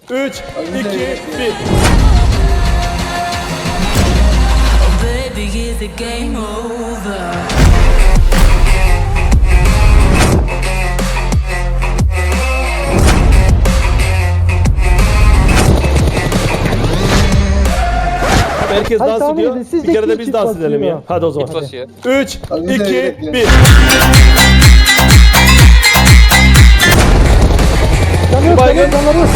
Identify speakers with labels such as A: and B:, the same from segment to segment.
A: 3, 2, 1.
B: Baby, is the game over?
A: Herkes
C: Hadi
A: dans
C: tahmin
A: ediyor.
C: edin, sizce
A: Bir kere de
C: kim
A: biz
C: çift
A: dans
C: basıyor?
A: edelim ya. Hadi o zaman.
D: Git basıyor.
A: 3,
E: Hadi bize
A: 2,
E: öyle
A: 1.
C: Canıyor,
A: Baygın.
C: canıyor.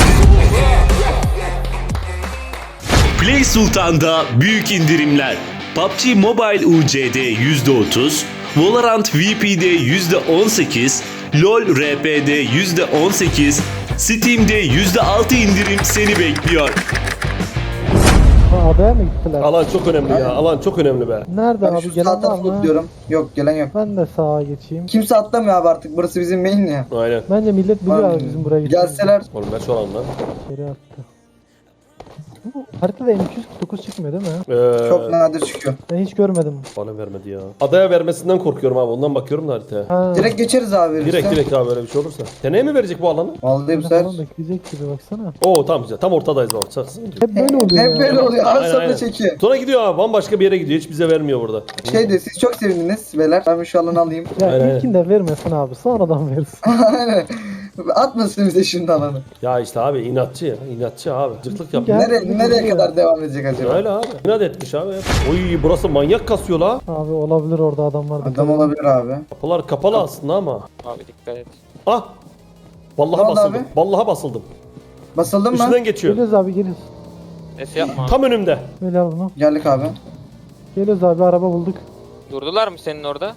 F: Play Sultan'da büyük indirimler. PUBG Mobile UC'de %30, Valorant VP'de %18, LoL RP'de %18, Steam'de %6 indirim seni bekliyor.
C: Adaya mı gittiler?
A: Alan çok önemli ya. Alan çok önemli be.
C: Nerede
E: Ben
C: abi?
E: şu
C: Gelen
E: sağ
C: var
E: tarafı
C: mı?
E: diyorum. Yok gelen yok.
C: Ben de sağa geçeyim.
E: Kimse atlamıyor abi artık. Burası bizim main ya.
A: Aynen.
C: Bence millet biliyor abi bizim buraya gittiğimizi.
E: Gelseler
A: Oğlum ben şu alanda.
C: Geri attı. Bu haritada M249 çıkmıyor değil mi?
E: çok nadir çıkıyor.
C: Ben hiç görmedim.
A: Bana vermedi ya. Adaya vermesinden korkuyorum abi. Ondan bakıyorum da haritaya.
C: Ha.
E: Direkt geçeriz abi.
A: Direkt
E: verirse.
A: direkt abi böyle bir şey olursa. Seneye mi verecek bu alanı?
E: Vallahi bu sefer.
C: Falan bekleyecek gibi baksana.
A: Oo tamam güzel. Tam ortadayız bak. Saksın.
C: Hep böyle oluyor
E: Hep
C: ya.
E: böyle oluyor.
A: Aynen,
E: Arasında
A: aynen.
E: çekiyor.
A: Sonra gidiyor abi. Bambaşka bir yere gidiyor. Hiç bize vermiyor burada.
E: Şey de siz çok sevindiniz beyler. Ben şu alanı alayım.
C: Ya
A: Aynen,
C: ilkinde vermesin abi, sonradan versin.
E: Aynen. Atmasın bize şimdi alanı.
A: Ya işte abi inatçı ya. İnatçı abi. Cırtlık yapıyor.
C: Gel.
E: Nereye kadar devam edecek acaba?
A: Öyle abi. İnat etmiş abi. Oy burası manyak kasıyor la.
C: Abi olabilir orada adamlar.
E: Adam olabilir abi.
A: Kapılar kapalı aslında ama.
D: Abi dikkat et.
A: Ah. Vallahi
E: Ne oldu
A: basıldım.
E: abi?
A: Vallahi basıldım.
E: Basıldın mı?
A: Üstünden geçiyor.
C: Geliyoruz abi, geliyoruz.
D: Neyse yapma abi.
A: Tam önümde.
C: Böyle al bunu.
E: Geldik abi.
C: Geliyoruz abi, araba bulduk.
D: Durdular mı senin orada?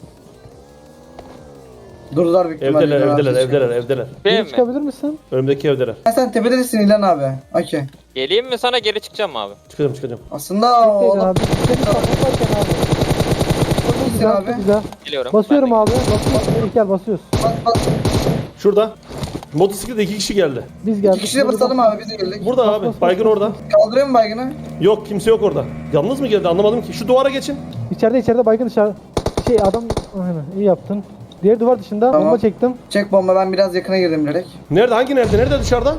E: Durdular büyük ihtimalle.
A: Evdeler,
E: İlhan abi
A: evdeler,
E: çıkıyor.
A: evdeler, evdeler.
D: Benim
C: Geri
D: mi?
C: çıkabilir misin?
A: Önümdeki evdeler.
E: Sen tepedesin İlhan abi. Okey.
D: Geleyim mi sana geri çıkacağım mı abi?
A: Çıkacağım, çıkacağım.
E: Aslında o
C: Bekleyin
E: adam
C: abi. Seni kapatırken abi. Çok güzel,
E: abi.
C: çok güzel.
D: Geliyorum.
C: Basıyorum
D: Ben de
C: abi. Basıyoruz. Gel basıyoruz.
E: bas.
A: Şurada. Motosiklette 2 kişi geldi.
C: Biz geldik.
E: İki kişi de basalım abi biz de geldik.
A: Burada abi. Baygın orada.
E: Kaldırıyor mu baygını?
A: Yok kimse yok orada. Yalnız mı geldi anlamadım ki. Şu duvara geçin.
C: İçeride baygın dışarı. Şey adam. Aynen, iyi yaptın. Diğer duvar dışında
E: Tamam.
C: bomba çektim.
E: Çek bomba, ben biraz yakına girdim direkt.
A: Nerede? Hangi nerede? Nerede dışarıda?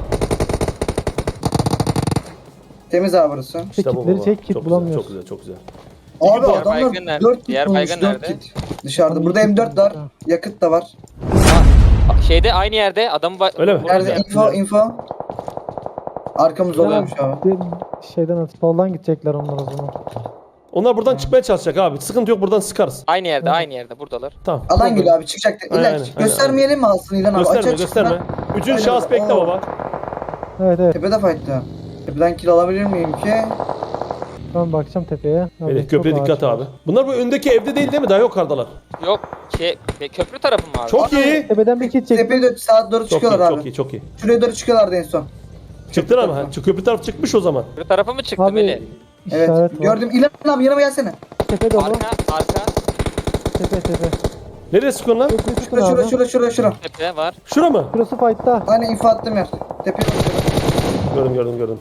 E: Temiz abi burası.
C: Kitleri
A: baba.
C: çek, kit
A: Çok
C: bulamıyoruz.
A: güzel, çok güzel, çok güzel.
E: Abi
D: diğer
E: adamlar
D: baygın nerede?
E: 4 kit
D: Diğer
E: bulmuş,
D: baygın
E: 4
D: nerede?
E: kit. Dışarıda. Burada M4 var. Yakıt da var.
D: Şeyde aynı yerde adamı
A: Öyle mi?
E: Nerede? Info. Arkamız oluyormuş abi.
C: Şeyden at. Soldan gidecekler onlar o zaman.
A: Onlar buradan çıkmaya çalışacak abi. Sıkıntı yok, buradan sıkarız.
D: Aynı yerde, aynı yerde buradalar.
A: Tamam.
E: Alan geliyor abi, çıkacak.
A: Aynen,
E: İlan
A: aynen,
E: göstermeyelim mi alsın İlan abi?
A: Gösterme,
E: Açığa
A: gösterme.
E: çıksınlar.
A: Üçüncü
E: Aynen.
A: şahıs bekle
E: Aa.
A: baba.
C: Evet.
E: Tepede fight'ta. Tepeden kill alabilir miyim ki?
C: Ben bakacağım tepeye. Abi,
A: Evet, köprüye
C: çok
A: dikkat
C: ağaç var.
A: abi. Bunlar bu öndeki evde değil mi? Daha yukarıdalar.
D: Yok köprü tarafı mı abi?
A: Çok iyi.
C: Tepeden bir kit çektim.
E: Tepeye de sağa doğru
A: Çok iyi,
E: çıkıyorlar abi.
A: çok iyi, çok iyi.
E: Şuraya doğru çıkıyorlardı en son.
A: Çıktılar ama. Köprü taraf çıkmış o zaman.
D: Köprü tarafı mı çıktı Melih?
C: Abi
E: Evet.
C: işaret var.
E: Gördüm. İlan abi yanıma gelsene.
C: Tepe dolu.
D: Arka,
C: Tepe.
A: Nereye sıkıyorsun lan?
C: Köprüyü tutun
E: Şura.
C: abi.
D: tepe var.
A: Şura mı?
C: Burası fight'ta.
E: Aynen info attığım yer. Tepeye bakıyorum.
A: Gördüm.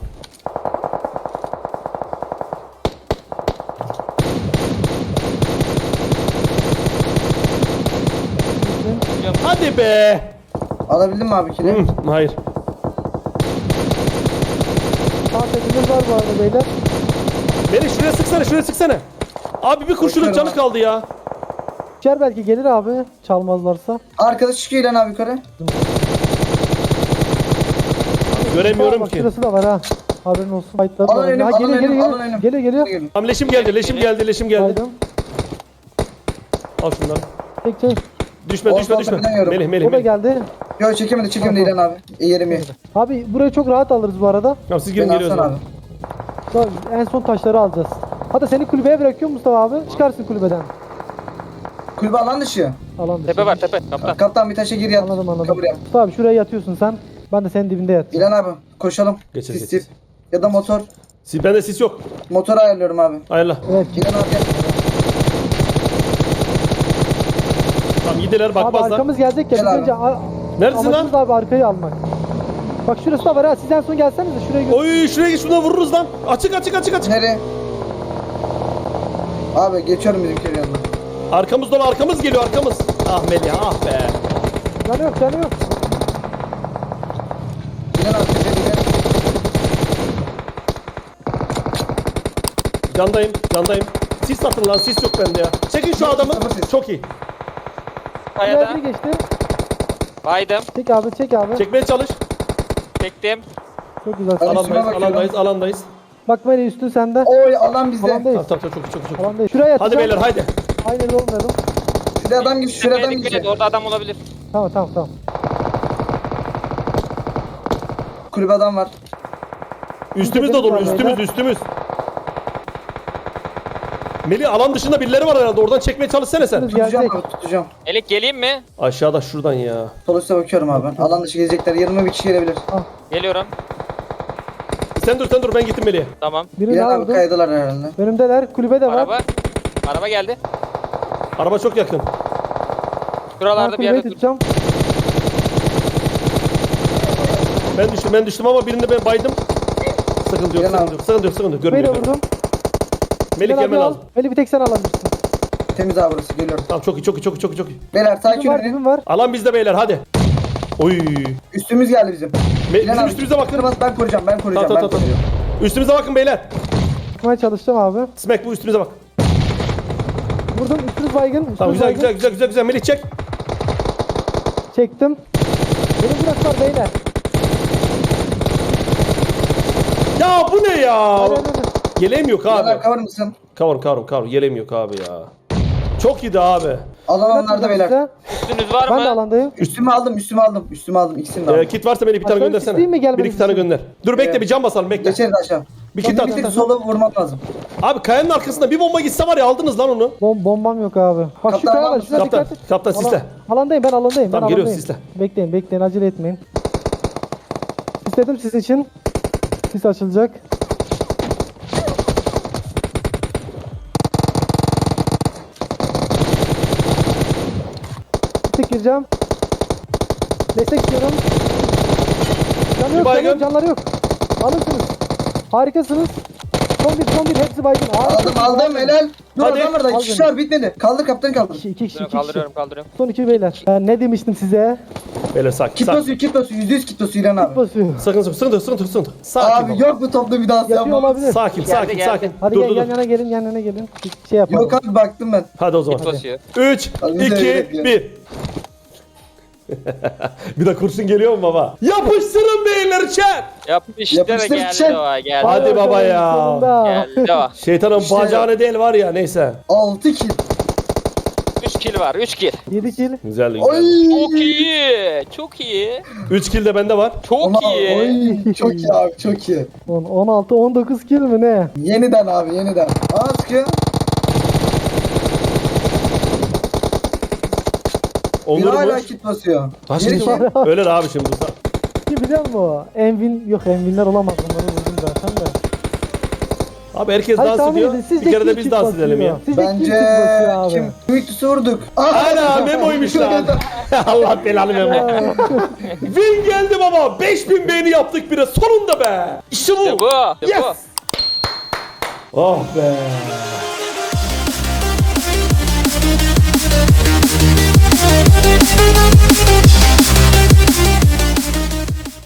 A: Hadi be.
E: Alabildin mi abi kill'i?
A: Hayır.
C: Sağ tepemiz var bu arada beyler.
A: Beni şuraya sıksana. Abi bir kurşunun canı kaldı ya.
C: İçer belki gelir abi. Çalmazlarsa.
E: Arkadaş çıkıyor İlan abi yukarı.
A: Göremiyorum
C: Bak
A: ki.
C: şurası da var ha. Haberin olsun. Fight'ta
E: Alın
C: var.
E: önüm,
C: Ha,
E: alın önüm,
C: geliyor.
E: alın önüm.
C: Geliyor.
A: Tamam leşim geldi.
C: Baydım.
A: Al şunları.
C: Çek.
A: Düşme.
E: Ortadan bilemiyorum.
A: Melih.
C: O da geldi.
E: Yok çekemedi İlan abi. Yerim iyi.
C: Abi burayı çok rahat alırız bu arada.
A: Tamam siz
E: Ben
A: girin geliyoruz.
E: alsana abi.
C: Bak, en son taşları alacağız. Hatta seni kulübeye bırakıyorum Mustafa abi. Çıkarsın kulübeden.
E: Kulübe alan dışı.
C: Alan dışı.
D: Tepe var tepe. Kaptan.
E: Kaptan bir taşa gir yat.
C: Anladım.
E: Kabul yap.
C: Mustafa abi şuraya yatıyorsun sen. Ben de senin dibinde yat.
E: İlan abi koşalım.
A: Geçir.
E: Sis. Ya da motor.
A: Bende sis yok.
E: Motoru ayarlıyorum abi.
A: Ayarla.
C: Evet.
E: İlan abi gel.
A: Tamam gidiler
C: Abi
A: bakmazlar.
C: arkamız gelecek ya.
E: Gel
C: Biz
E: abi.
C: önce
A: Neredesin lan?
C: amacımız abi arkayı almak. Bak şurası da var ha. Siz en son gelsenize şuraya gö-
A: Oy şuraya git şuna vururuz lan. Açık.
E: Nereye? Abi geçiyorum bizimkilerin yanına.
A: Arkamız geliyor. Ah Melih ah be.
C: Canı yok.
E: İlan abi tepeye gel.
A: Candayım. Candayım. Sis atın lan. Sis yok bende ya. Çekin şu adamı.
E: Sıfır sis.
A: Çok iyi.
C: Buraya
D: Kayada.
C: biri geçti.
D: Baydım.
C: Çek abi çek abi.
A: Çekmeye çalış.
D: Çektim.
C: Çok güzel.
E: Hadi.
A: Alandayız.
E: bakıyorum.
A: Alandayız. Alandayız.
C: Bak Melih üstü sende.
E: Oy alan bizde.
C: Alandayız.
A: Tamam tamam çok iyi, çok iyi, çok iyi.
C: Alandayız. Şuraya
A: Hadi
C: atacağım.
A: beyler haydi.
C: Aynı yerde olmayalım.
E: Şuraya adam gibi şuraya adam
D: Dikkat et,
E: gibi.
D: orada adam olabilir.
C: Tamam tamam tamam.
E: Kulübe adam var.
A: Üstümüz de dolu. Üstümüz üstümüz. Melih alan dışında birileri var herhalde. Oradan çekmeye çalışsana sen.
C: Üstümüz
E: Tutacağım
C: gelecek.
E: abi tutacağım.
D: Elik geleyim mi?
A: Aşağıda şuradan ya.
E: Sol üstte bakıyorum abi ben. Alan dışı gelecekler. Yanıma bir kişi gelebilir.
D: Geliyorum.
A: Sen dur ben gittim Melih'e.
D: Tamam.
C: Birini
E: Bir abi
C: aldım.
E: kaydılar herhalde.
C: Önümdeler. Kulübe de var.
D: Araba. Araba geldi.
A: Araba çok yakın.
C: Ben
D: Şuralarda bir
C: kulübeyi
D: yerde dur.
C: tutacağım.
A: Ben düştüm ama birini ben baydım. Sıkıntı yok,
E: Gel
A: sıkıntı
E: abi.
A: yok, sıkıntı yok, sıkıntı yok.
C: Beni de
A: Görmüyor.
C: vurdum.
A: Melih
C: Gel abi
A: gelmen
C: al.
A: lazım.
C: Melih bir tek sen alabilirsin.
E: Temiz abi burası geliyorum.
A: Tamam çok iyi, çok iyi, çok iyi, çok iyi, çok iyi.
E: Beyler sakin
C: Dibim var
E: olun.
C: dibim var.
A: Alan bizde beyler hadi. Oy.
E: Üstümüz geldi bizim.
A: Bizim üstümüze bakın.
E: Kırmaz ben koruyacağım ben koruyacağım.
A: Tamam
E: ben
A: tamam tamam.
E: koruyacağım.
A: Üstümüze bakın beyler.
C: Tutmaya çalışacağım abi.
A: Smack bu üstümüze bak.
C: Vurdum. Üstünüz baygın. Üstünüz
A: Tamam güzel
C: baygın.
A: güzel güzel güzel güzel. Melih çek.
C: Çektim. Beni bıraktılar beyler.
A: Ya bu ne ya?
C: Hadi, hadi, hadi.
A: Yeleğim yok abi.
E: Beyler cover mısın?
A: Kavur. Yeleğim yok abi ya. Çok iyiydi abi.
E: Alan onlarda
C: Oynatmayacağım
E: beyler.
C: size.
D: Üstünüz var
C: Ben de
D: mı?
C: alandayım.
E: Üstüme aldım. İkisini de aldım.
A: Kit varsa beni bir tane
C: Aşağı
A: göndersene.
C: isteyeyim mi gelmeniz
A: Bir iki tane
C: için?
A: gönder. Dur bekle
E: Evet.
A: bir cam basalım bekle.
E: Geçeriz aşağı.
A: Bir
E: Şimdi
A: kit
E: bir
A: at.
E: tek sola vurmam lazım.
A: Abi kayanın arkasında bir bomba gitse var ya aldınız lan onu.
C: Bombam yok abi. Bak şu
E: Kaptan
C: kaya
E: var
C: var.
E: mısın?
C: Şuna
A: Kaptan,
C: dikkat et.
A: kaptan sisle.
C: Alandayım ben alandayım.
A: Tamam,
C: ben
A: geliyoruz,
C: alandayım.
A: sisle.
C: Bekleyin acele etmeyin. İstedim sizin için. Sis açılacak. Tek gireceğim. Destek istiyorum. Canı yok,
A: baygın.
C: canları yok. Alırsınız. Harikasınız. Son bir hepsi baygın.
E: Aldım helal. Dur
A: Hadi.
E: adam var da
C: Al
E: iki kişi var bitmedi. Kaldır kaptan kaldır.
C: İki kişi.
D: Kaldırıyorum.
C: Son iki beyler. Ben ne demiştim size?
A: Beyler sakin.
E: Kit basıyor %100 kit basıyor İlhan abi.
C: Basıyor.
A: Sıkıntı. Sakin
E: Abi
A: ol.
E: yok bu topla bir daha
C: Yapıyor
E: yapma.
C: olabilir.
A: Sakin.
D: Geldi.
C: Hadi
A: Dur
C: gel
A: dur
C: yan
A: dur.
C: yana gelin, yan yana gelin. Bir şey yapalım.
E: Yok abi baktım ben.
A: Hadi o zaman.
D: Git basıyor.
A: 3,
E: Hadi biz de
A: 2,
E: bekliyoruz.
A: 1. Bir de kurşun geliyor mu baba? Yapıştırın beyler chat.
D: Yapıştır
E: Yapıştır,
D: geldi
E: çek.
D: o geldi.
A: Hadi baba ya.
C: Sonunda.
D: Geldi o.
A: Şeytanın
E: İşte-
A: bacağını değil var ya neyse.
E: 6 kill.
D: 3 kill var 3 kill.
C: 7 kill.
A: Güzel
E: Oy.
D: Çok iyi. Çok iyi.
A: 3 kill de bende var.
D: Çok
E: Ama,
D: iyi.
E: oy, çok iyi abi çok iyi.
C: 16 19 kill mi ne?
E: Yeniden abi yeniden. Aa sıkıyor. Bir
A: Onları
E: hala
A: boş.
E: kit basıyor.
A: Taş
E: Geri
A: kit
E: kill.
A: var. Öyle abi şimdi.
C: Ki biliyor musun o? Envin yok Envinler olamaz onları vurdum zaten de.
A: Abi herkes
C: Hadi
A: dans
C: tahmin
A: ediyor.
C: edin, sizce
A: Bir kere de
C: kim
A: biz
C: kit
A: dans
C: basıyor?
A: edelim ya.
C: Sizce kim
E: Bence
C: kit basıyor abi?
E: kim? Victus'u vurduk.
A: Ana Memo'ymuş lan. Allah belanı Memo. Win geldi baba. 5000 beğeni yaptık bire. Sonunda be. İşte bu.
D: İşte bu. İşte
A: Yes.
D: bu.
A: Oh be.
B: We'll be right back.